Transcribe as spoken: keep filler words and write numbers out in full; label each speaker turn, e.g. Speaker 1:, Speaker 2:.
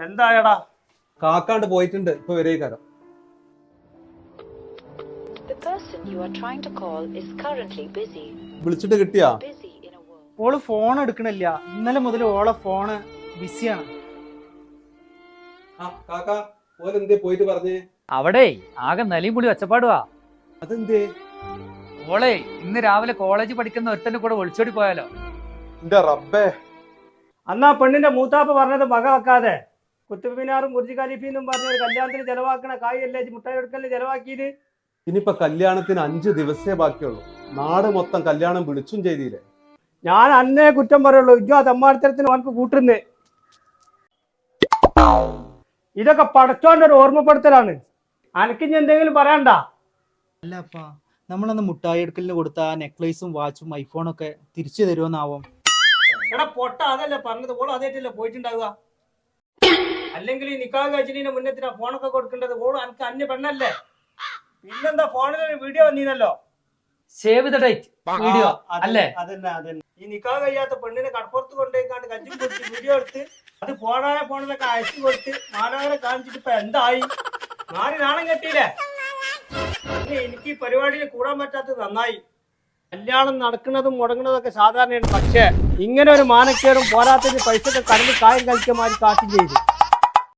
Speaker 1: എന്തായടാ?
Speaker 2: കാക്കാണ്ട് പോയിട്ടുണ്ട്, ഇപ്പൊ വരേക്കാരം. വിളിച്ചിട്ട് കിട്ടിയാ?
Speaker 3: ഓള് ഫോൺ എടുക്കണില്ല. ഇന്നലെ മുതൽ ഓളെ ഫോണ് ബിസിയാണ്.
Speaker 2: പോയിട്ട് പറഞ്ഞേ.
Speaker 4: അവിടെ ആകെ നിലയും കൂടി ഒച്ചപ്പാടുവാ.
Speaker 2: അതെന്തേ?
Speaker 4: ഓളെ ഇന്ന് രാവിലെ കോളേജ് പഠിക്കുന്ന ഒരുത്തന്റെ കൂടെ ഒളിച്ചോടി പോയാലോ.
Speaker 2: എന്റെ റബ്ബേ.
Speaker 1: അന്നാ പെണ്ണിന്റെ മൂത്താപ്പ പറഞ്ഞത് വക വെക്കാതെ കുത്തുബ് മിനാറും ബുർജ് ഖലീഫയും പറഞ്ഞ ഒരു കല്യാണത്തിന് ചെലവാക്കണ കായല്ലേ മുട്ടായി എടുക്കല്ലേ ചെലവാക്കിയത്.
Speaker 2: ഇനിയിപ്പൊ കല്യാണത്തിന് അഞ്ചു ദിവസേ ബാക്കിയുള്ളൂ. നാട് മൊത്തം കല്യാണം വിളിച്ചും ചെയ്തില്ലേ.
Speaker 1: ഞാൻ അന്നേ കുറ്റം പറയുള്ളൂ. ഇജ്ജോ തെമ്മാടിത്തരത്തിന് അവനക്ക് കൂട്ടുന്നേ. ഇതൊക്കെ പടച്ചോന്റെ ഒരു ഓർമ്മപ്പെടുത്തലാണ്. അനക്കിഞ്ഞ് എന്തെങ്കിലും പറയണ്ട.
Speaker 3: അല്ല അപ്പാ, നമ്മളന്ന് മുട്ടായി എടുക്കലിന് കൊടുത്ത ആ നെക്ലേസും വാച്ചും ഐഫോണൊക്കെ തിരിച്ചു തരുമോന്നാവും.
Speaker 1: എടാ പൊട്ട, അതല്ലേ പറഞ്ഞത്. ഓള് അതേറ്റല്ലേ പോയിട്ടുണ്ടാവുക. അല്ലെങ്കിൽ ഈ നിക്കാഹ് കഴിച്ചിട്ട് മുന്നേത്തിനാ ഫോണൊക്കെ കൊടുക്കേണ്ടത്. ഓള് അനക്ക് അന്യ പെണ്ണല്ലേ. പിന്നെന്താ ഫോണിൽ വീഡിയോ വന്നീനല്ലോ.
Speaker 4: സേവ് ദ ഡേറ്റ് വീഡിയോ അല്ലേ?
Speaker 1: അതന്നെ അതന്നെ. ഈ നിക്കാഹ് കഴിയാത്ത പെണ്ണിനെ കടപ്പുറത്ത് കൊണ്ടുപോയിക്കാണ്ട് കഞ്ചും കൊടുത്ത് വീഡിയോ എടുത്ത് അത് ഫോണായ ഫോണിലൊക്കെ അയച്ചു കൊടുത്ത് മാനവരെ കാണിച്ചിട്ട് ഇപ്പൊ എന്തായി? നാല് നാണം കെട്ടിയില്ലേ. എനിക്ക് ഈ പരിപാടിയിൽ കൂടാൻ പറ്റാത്തത് നന്നായി. കല്യാണം നടക്കുന്നതും മുടങ്ങുന്നതൊക്കെ സാധാരണയാണ്. പക്ഷേ ഇങ്ങനെ ഒരു മാനക്കേടും പോരാത്തതിന് പൈസ കടന്ന് കായം കളിക്കാൻ മാറി കാട്ടി ചെയ്തു.